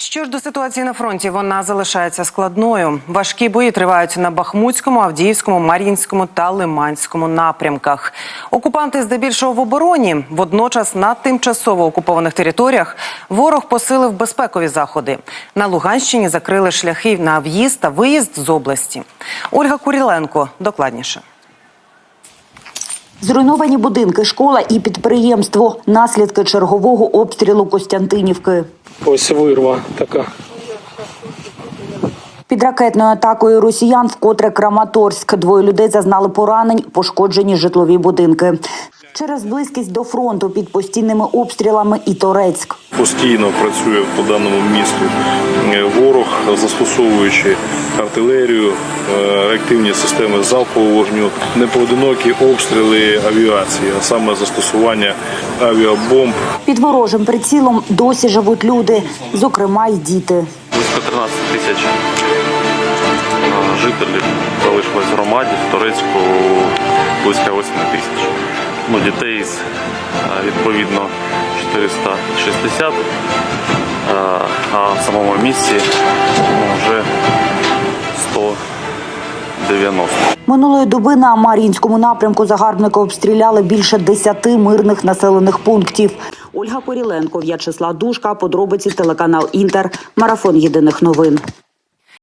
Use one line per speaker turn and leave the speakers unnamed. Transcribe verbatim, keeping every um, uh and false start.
Що ж до ситуації на фронті, вона залишається складною. Важкі бої тривають на Бахмутському, Авдіївському, Мар'їнському та Лиманському напрямках. Окупанти здебільшого в обороні. Водночас на тимчасово окупованих територіях ворог посилив безпекові заходи. На Луганщині закрили шляхи на в'їзд та виїзд з області. Ольга Куриленко докладніше.
Зруйновані будинки, школа і підприємство – наслідки чергового обстрілу Костянтинівки.
Ось вирва така.
Під ракетною атакою росіян вкотре Краматорськ. Двоє людей зазнали поранень, пошкоджені житлові будинки. Через близькість до фронту під постійними обстрілами і Торецьк.
Постійно працює по даному місту ворог, застосовуючи артилерію, реактивні системи залпового вогню, непоодинокі обстріли авіації, а саме застосування авіабомб.
Під ворожим прицілом досі живуть люди, зокрема й діти.
Близько тринадцять тисяч жителів залишилось в громаді, в Торецьку близько восьми тисяч. Ну, дітей відповідно чотириста шістдесят, а в самому місті вже сто дев'яносто.
Минулої доби на Мар'їнському напрямку загарбники обстріляли більше десяти мирних населених пунктів. Ольга Куриленко, В'ячеслав Душка, подробиці, телеканал Інтер, марафон єдиних новин.